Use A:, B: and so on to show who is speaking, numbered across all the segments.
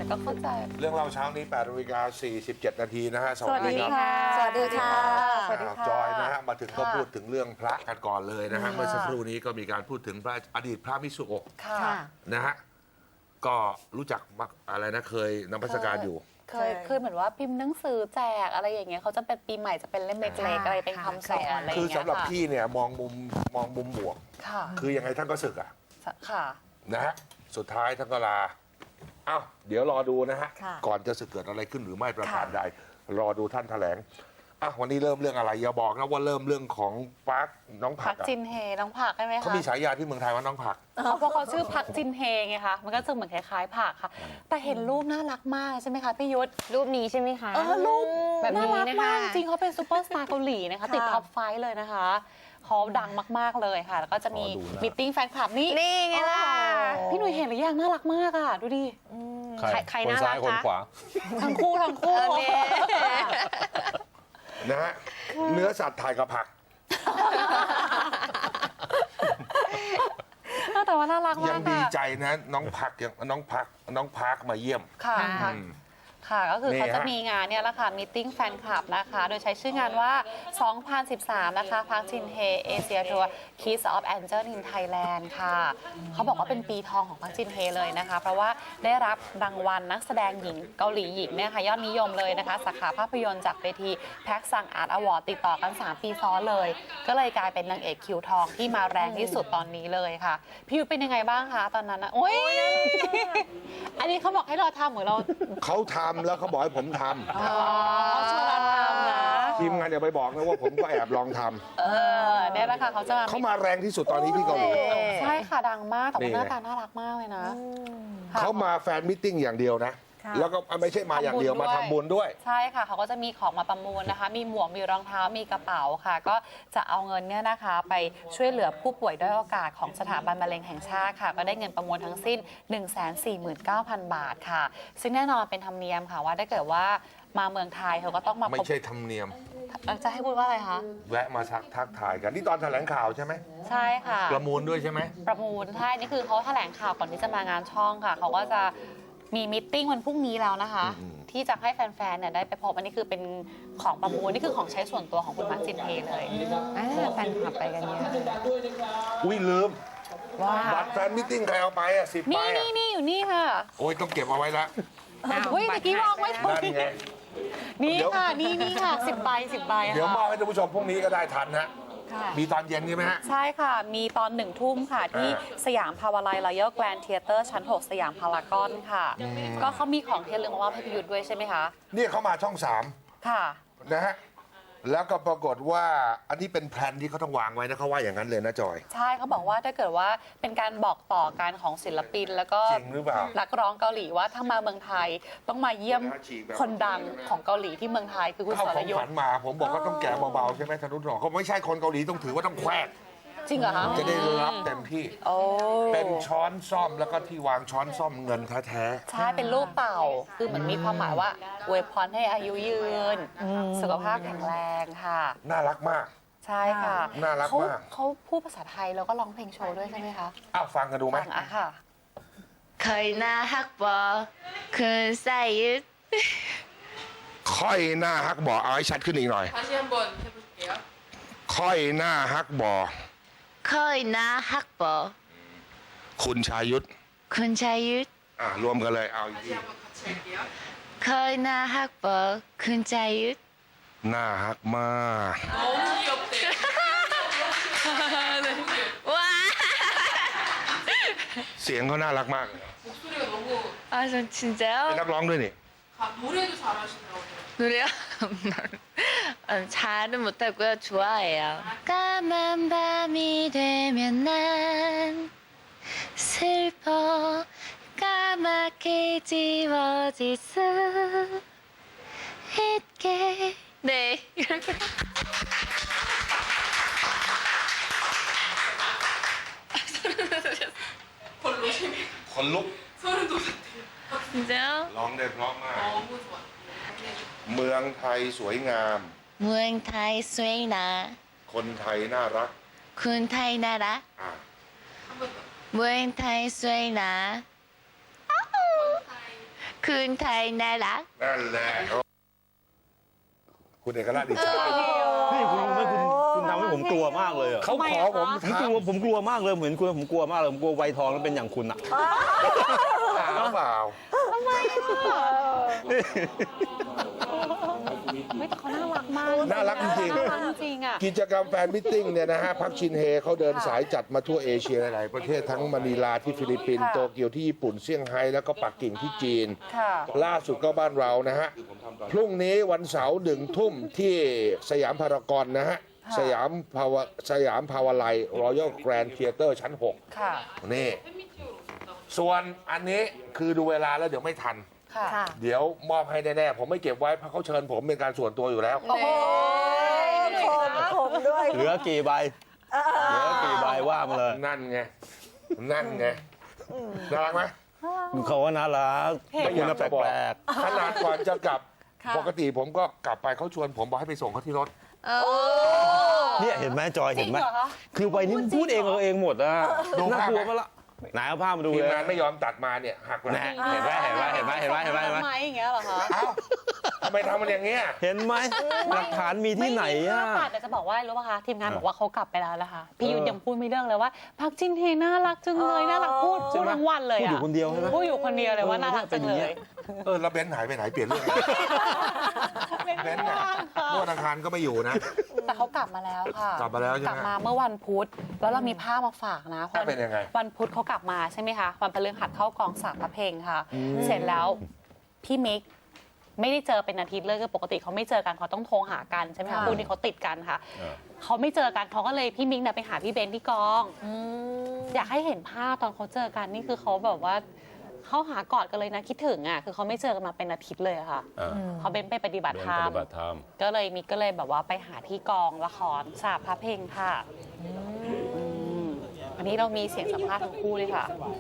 A: ก็เข้าใจ
B: เรื่องเล่าเช้านี้8:47 นาทีนะฮะ
A: สวัสดีค่ะ
C: สวัสดีค่ะ
A: สวัสดีค่ะ
B: จอยนะฮะมาถึงก็พูดถึงเรื่องพระกันก่อนเลยนะฮะเมื่อสักครู่นี้ก็มีการพูดถึงพระอดีตพระมิสุโอะ
A: ค่ะ
B: นะฮะก็รู้จักมักอะไรนะเคยนมัสการอยู่
A: เคยเหมือนว่าพิมพ์หนังสือแจกอะไรอย่างเงี้ยเขาจะเป็นปีใหม่จะเป็นเล่มเล็กๆอะไรเป็นคำสอนอะไรอย่าง
B: คือ
A: เงี้ย
B: สำหรับ
A: ค่ะ
B: พี่เนี่ยมองมุมบวก
A: ค่ะ
B: คือยังไงท่านก็ศึกอ่ะ
A: ค่ะ
B: นะฮะสุดท้ายท่านก็ลาเอ้าเดี๋ยวรอดูนะฮะ
C: ค่ะ
B: ก่อนจะสึกเกิดอะไรขึ้นหรือไม่ประการ
A: ค่ะ
B: ใดรอดูท่านแถลงอ่ะวันนี้เริ่มเรื่องอะไรอย่าบอกนะว่าเริ่มเรื่องของพักน้องผั
A: พั
B: ก
A: ก
B: อะ
A: จินเฮน้องผักใช่ไหมคะ
B: เขามีฉายาที่เมืองไทยว่าน้องผัก
A: เพราะเขาชื่อพักจินเฮไงคะมันก็จะเหมือนคล้ายๆผักค่ะ แต่เห็นรูปน่ารักมากใช่ไหมคะพี่ยุทธ
C: รูปนี้ใช่ไหมคะ
A: รูป
C: แบบนี้
A: น่ารัก
C: นะคะ
A: มากจริงเขาเป็นซูเปอร์สตาร์เกาหลีนะคะ
C: ค่ะ
A: ติดท็อปไฟว์เลยนะคะเขาดังมากๆเลยค่ะ แล้วก็จะมี
B: ขอดูหน้า
A: มิทติ้งแฟนคลับนี่
C: นี่ไงล่ะ
A: พี่หนุ่ยเห็นหรือยังน่ารักมากอ่ะดูดิ
C: ใครน่ารัก
D: คน
C: คะ
D: ขวา
A: ทั้งคู่ทั้งคู่
B: นะฮะเนื้อสัตว์ถ่ายกับผัก
A: แต่ว่าน่ารัก
B: ยั
A: มาง ก
B: ดี
A: ค่ะ
B: ใจนะน้องพักมาเยี่ยม
A: ค่ะ
B: อืม
A: ค่ะก็คือ
B: นี่
A: เขาจะ
B: ฮะ
A: มีงานเนี่ยแหละค่ะมิทติ้งแฟนคลับนะคะ โดยใช้ชื่องานว่า 2013 นะคะพักจินเฮเอเชียทัวร์ Kiss of Angel in Thailand ค่ะ เขาบอกว่าเป็นปีทองของพักจินเฮเลยนะคะ เพราะว่าได้รับรางวัลนักแสดงหญิงเกาหลีหญิงเนี่ยค่ะยอดนิยมเลยนะคะ สาขาภาพยนตร์จากเวทีแพ็กซังอาร์ตอวอร์ดติดต่อกัน 3 ปีซ้อนเลย ก็เลยกลายเป็นนางเอกคิวทองที่มาแรงที่สุดตอนนี้เลยค่ะ พี่ยุ้ยเป็นยังไงบ้างคะตอนนั้นนะโอ้ยอันนี้เขาบอกให้เราทำเหมือนเรา
B: เขาทำแล้วเขาบอกให้ผมท
A: เขาชวนเราทำนะ
B: ำทีมงานอย่าไปบอกนะว่าผมก็แอบลองท
A: เนี่ยแหละค่ะเขาจะมา
B: ำเขามาแรงที่สุดตอนนี้ที่เกาหลี
A: ใช่ค่ะดังมากแต่
B: นี่
A: ว่า
B: ไง
A: หน้าตาน่ารักมากเลยนะค่ะ
B: เขามาแฟนมิทติ้งอย่างเดียวนะ
C: ค่ะ
B: แล้วก็ไม่ใช่มาอย่างเดียวมาทำบุญด้วย
A: ใช่ค่ะเขาก็จะมีของมาประมูลนะคะ มีหมวกมีรองเท้ามีกระเป๋าค่ะ ก็จะเอาเงินเนี่ยนะคะ ไปช่วยเหลือผู้ป่วยด้อยโอกาสของสถาบันมะเร็งแห่งชาติค่ะ ก็ได้เงินประมูลทั้งสิ้น 149,000 บาทค่ะ ซึ่งแน่นอนเป็นธรรมเนียมค่ะว่าถ้าเกิดว่ามาเมืองไทยเขาก็ต้องมา
B: ไม่
A: พบ
B: ใช่ธรรมเนียม
A: จะให้พูดว่าอะไรคะ
B: แวะมาทักทายกันนี่ตอนแถลงข่าวใช่ไหม
A: ใช่ค่ะ
B: ประมูลด้วยใช่ไหม
A: ประมูลใช่นี่คือเขาแถลงข่าวก่อนที่จะมางานช่องค่ะ เขาก็จะมีมิทติ้งวันพรุ่งนี้แล้วนะคะ ที่จะให้แฟนๆเนี่ยได้ไปพบอันนี้คือเป็นของประมูลนี่คือของใช้ส่วนตัวของคุณมาร์คจินเฮเลย
C: แฟนคลับไปกันเยอะ
B: อุ้ยลืม
C: ว้า
B: บัตรแฟนมิทติ้งใครเอาไปอ่ะ10 ใบ
A: นี่
B: อ่ะ
A: นี่อยู่นี่ค่ะ
B: โอ้ยต้องเก็บเอาไว้ละ
A: เฮ้ยเมื่อกี้วางไว้ตรง
B: นั่น
A: นี้
B: ไง
A: นี่
B: เดี๋ยว
A: ค่ะนี่ค่ะ10 ใบ10 ใบ
B: เดี๋ยวมอ
A: ค่ะ
B: บให้ท่านผู้ชมพรุ่งนี้ก็ได้ทันฮะ
A: ค่ะ
B: มีตอนเย็นใช่ไหมฮะ
A: ใช่ค่ะ มีตอน1 ทุ่มค่ะ ที่
B: อ่า
A: สยามพาวาไลน์รอยัลแกรนด์เทเตอร์ชั้น 6 สยามพารากอนค่ะ ก็เขามีของเทียนเรืองมามอบให้พิยุทธ์ด้วยใช่ไหมคะ
B: เนี่ยเขามาช่อง
A: ค่ะ
B: 3นะฮะแล้วก็ปรากฏว่าอันนี้เป็นแพลนที่เขาต้องวางไว้นะเขาว่าอย่างนั้นเลยนะจอย
A: ใช่เขาบอกว่าถ้าเกิดว่าเป็นการบอกต่อกันของศิลปิน แล้วก็
B: จริงหรือเปล่า
A: นักร้องเกาหลีว่าถ้ามาเมืองไทยต้องมาเยี่ยมคนดังของเกาหลีที่เมืองไทยคือคุณ
B: เข้า
A: ส
B: ข
A: ร
B: อง
A: ยุ
B: ข
A: ท
B: วัญ
A: ธ์
B: มาผมบอกว่าต้องแกะเบาๆใช่ไหมธนุถนอมเขาไม่ใช่คนเกาหลีต้องถือว่าต้องแควก
A: จริงเหรอคะ
B: จะได้รับเต็มที่
A: โอ้
B: เป็นช้อนซ่อมแล้วก็ที่วางช้อนซ่อมเงินแท้
A: ใช่เป็นรูปเต่าคือเหมือนมีความหมายว่าอวยพรให้อายุยืน สุขภาพแข็งแรงค่ะ
B: ๆน่ารักมาก
A: ใช่ค่ะ
B: น่ารักมาก
A: เขาพูดภาษาไทยแล้วก็ร้องเพลงโชว์ด้วยใช่ไหมคะ
B: อ้าวฟังกันดูไหม
A: ฟังอะค่ะ
E: ค่อยนาฮักบอคุณไซยุด
B: ค่อยหน้าฮักบ่อเอาให้ชัดขึ้นอีกหน่อย
F: 다시 한번 해볼게요.
B: ค่อยหน้าฮักบ่อ
E: ค่อยนาฮักบอ
B: คุณชายุทธ
E: คุณชายุด
B: รวมกันเลยเอาอีก
F: 다시
B: ที
F: 한번 같이 할게요.
E: ค่อยนาฮักบอคุณชายุด
B: หน้าฮักมาก
F: 너무 귀엽대요.
E: ว้า
B: เสียงเขาน่ารักมากเลย
F: 목소리가 너무
E: 아, 전 진짜요?
B: เป็นนักร้องด้วยนี่
F: 노래도 잘하시더라고요.
E: 노래요? 잘은 못하고요. 좋아해요. 까만 밤이 되면 난 슬퍼 까맣게 지워질 수 있게 네 이렇게
F: 별로 재미
B: คนลุก
F: 소름 돋았대요.
E: 진짜요?
B: ร้องได้เพราะมาก
F: 너무 좋아.
B: เมืองไทยสวยงาม
E: 무행타이 스웨이나
B: คนไทยน่ารัก
E: 군타이 나라
B: อ่ะ
F: 한 번 더.
E: 무행타이 스웨이나 คุณไทยน่ารัก
B: นั่นแหละคุณเอกราชดิฉัน
D: นี่คุณทำให้ผมกลัวมากเลยอะ
B: เขาขอผม
D: ผมกลัวมากเลยเหมือนคุณผมกลัวมากเลยผมกลัวไวทองแล้วเป็นอย่างคุณอะ
B: ถามเปล่า
A: ไม่แต่เขาน่ารักมาก
B: น่ารักจริง
A: น่ารักจริงอ่ะ
B: กิจกรรมแฟนมิทติ้งเนี่ยนะฮะพักชินเฮเขาเดินสายจัดมาทั่วเอเชียหลายๆประเทศทั้งมะนิลาที่ฟิลิปปินส์
A: ค่ะ
B: โตเกียวที่ญี่ปุ่นเซี่ยงไฮ้แล้วก็ปักกิ่งที่จีน
A: ค่ะ
B: ล่าสุดก็บ้านเรานะฮะ พรุ่งนี้วันเสาร์1 ทุ่มที่สยามพารากอนนะฮะ สยามภาวไลรอยัลแกรนด์เธียเตอร์ชั้น
A: ค่ะ
B: 6 นี่ ส่วนอันนี้คือดูเวลาแล้วเดี๋ยวไม่ทัน
A: ค่ะ
C: ค่ะ
B: เดี๋ยวมอบให้แน่ๆผมไม่เก็บไว้เพราะเขาเชิญผมเป็นการส่วนตัวอยู่แล้ว
A: โอ้โห
C: ผมด้วย
D: เหลือกี่ใบเหลือกี่ใบว่ามาเลย
B: นั่นไง นั่นไง น่ารักไหม
D: เขาว่าน่ารัก
B: ไม่
D: คุ
B: อ
D: ณ
B: ยาก
D: น่ะแป
B: จะบอก
D: ลก
B: ขนาดก่อนจะกลับ
C: ค่ะ
B: ปกติผมก็กลับไปเขาชวนผมบอกให้ไปส่งเขาที่รถ
D: ๆเนี่ยเห็นไหมจอยเห็นไหม
A: จริงเหรอคะ
D: คือวัยนี้พูดเองเองหมดอะ
B: ดูภาพ
D: น่ากลัวมาละไหนเอาภาพมาดู
B: ทีม
D: เลย
B: งานไม่ยอมตัดมาเนี่ยหักหลัง
D: แน่เห็นไหมเห็นไหมเห็นไหมเห็นไหมเห็นไหมเห็นไหม
A: ทำไมอย่างเงี้ยเหรอคะ
B: เอ้าทำไมทำมันอย่างเงี้ย
D: เห็นไหมหลักฐานมีที่ไหน
A: ไม่
D: อะ
A: มีภาพแต่จะบอกว่ารู้ป่ะคะทีมงานบอกว่าเขากลับไปแล้วนะคะพี่ยุทธยังพูดไม่เลิกเลยว่าพักจินเฮน่ารักจังเลยน่ารักพูดทั้งวันเลย
D: พูด
A: อะ
D: อยู่คนเดียวใช่ไหม
A: พูดอยู่คนเดียวเลยว่าน่ารักจังเลย
B: แล้วเบนซ์หายไปไหนเปลี่ยนเรื่องเบนซ์เนี่ยเมื่อวันอังคารก็ไม่อยู่นะ
A: แต่เขากลับมาแล้วค่ะ
B: กลับมาแล้วใช่ไหม
A: กลับมาเมื่อวันพุธแล้วเรามีภาพมาฝากนะ
B: ภาพเป็นยังไง
A: วันพุธเขากลับมาใช่ไหมคะวันพฤหัสเข้ากองสามพระเพลงค่ะ เสร็จแล้วพี่มิกไม่ได้เจอเป็นอาทิตย์เลยคือปกติเขาไม่เจอกันเขาต้องโทรหากันใช่ไหมคะคู่นี้เขาติดกันค่ะเขาไม่เจอกันเขาก็เลยพี่มิกเนี่ยไปหาพี่เบนที่กองอยากให้เห็นภาพตอนเขาเจอกันนี่คือเขาแบบว่าเขาหากอดกันเลยนะคิดถึงอ่ะคือเขาไม่เจอกันมาเป็นอาทิตย์เลยอะค่ะเขาเบนไปปฏิบัติธรรม ก็เลยมิกก็เลยแบบว่าไปหาที่กองละครสาบพระเพลงค่ะอันนี้เรามีเสียงสัมภาษณ์ทั้งคู่เลยค่ะ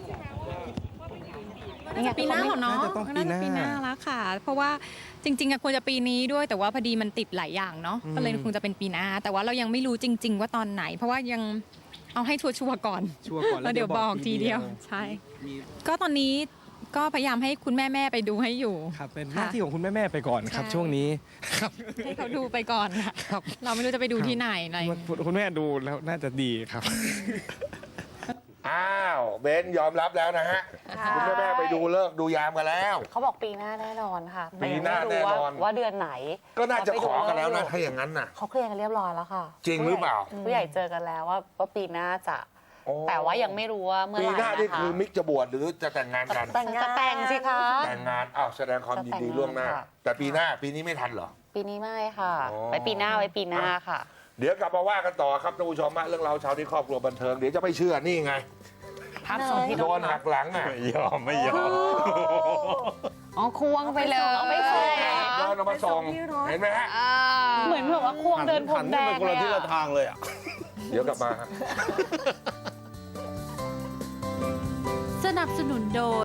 A: นี่ไง
G: ปีหน้าเหรอเนาะ
H: น่าจะต้องปีหน้า
G: ปีหน้าแล้วค่ะ เพราะว่าจริงๆอะควรจะปีนี้ด้วยแต่ว่าพอดีมันติดหลายอย่างเนาะก็เลยคงจะเป็นปีหน้า แต่ว่าเรายังไม่รู้จริง ๆ ว่าตอนไหน เพราะว่ายังเอาให้ชัวร์ๆก่อน
H: ชัวร์ก่อน
G: แล้วเดี๋ยวบอกทีเดียวใช่ ก็ตอนนี้ก็พยายามให้คุณแม่ๆไปดูให้อยู่
H: ครับเป็นห
G: ค่ะ
H: น้าที่ของคุณแม่ๆไปก่อนครับ
G: ใช่
H: ช่วงนี้ครับ
G: ให้เขาดูไปก่อนค่ะ
H: ครับ
G: เราไม่รู้จะไปดูที่ไหนอะไร
H: คุณแม่ดูแล้วน่าจะดีครับ
B: อ้าวเบนซ์ยอมรับแล้วนะฮะคุณแม่ไปดูเลิกษ์ดูยามกันแล้ว
A: เขาบอกปีหน้าแน่นอนค่ะ
B: ปีหน้า
A: แต่ยังไม่รู้
B: แน่นอน
A: ว่าเดือนไหน
B: ก็น่าจะขอกันแล้วนะถ้าอย่างนั้นน่ะ
A: เขาเคลียร์กันเรียบร้อยแล้วค่ะ
B: จริงหรือเปล่า
A: ผู้ใหญ่เจอกันแล้วว่าปีหน้าจะ
B: โอ้
A: แต่ว่ายังไม่รู้ว่าเมื่อ
B: ปี
A: ไหร่
B: หน้านี่
A: นะคะ
B: คือมิกจะบวชหรือจะแต่งงานกัน
A: จะแต่งสิคะ
B: แต่งงานอ้าวแสดงความยินดี
A: จะแต่งงาน
B: ล่วงหน้า
A: ค่ะ
B: แต่ปีหน้าปีนี้ไม่ทันเหรอ
A: ปีนี้ไม่ค่ะ
B: อ๋อ
A: ไว้ปีหน้าค่ะ
B: เดี๋ยวกลับมาว่ากันต่อครับท่านผู้ชมฮะเรื่องเราวเช้าที่ครอบครัวบันเทิงเดี๋ยวจะไม่เชื่อนี่ไง
A: ภาพส่งที่
B: โดนหักหลังอ่ะ
D: ไม่ยอมไม่ยอม
C: อ๋อควงไปเลย
A: เอาไปส่ง
B: โดนเอามาส่งเห็นไหมฮะ
A: เหมือนแบบว่าควงเดินพรมแด
D: หั
A: ง
D: นไปคนละทิศ
A: เลย
D: ละ
A: อะ
D: ทางเลยอะ
B: เดี๋ยวกลับมาฮะ
I: สนับสนุนโดย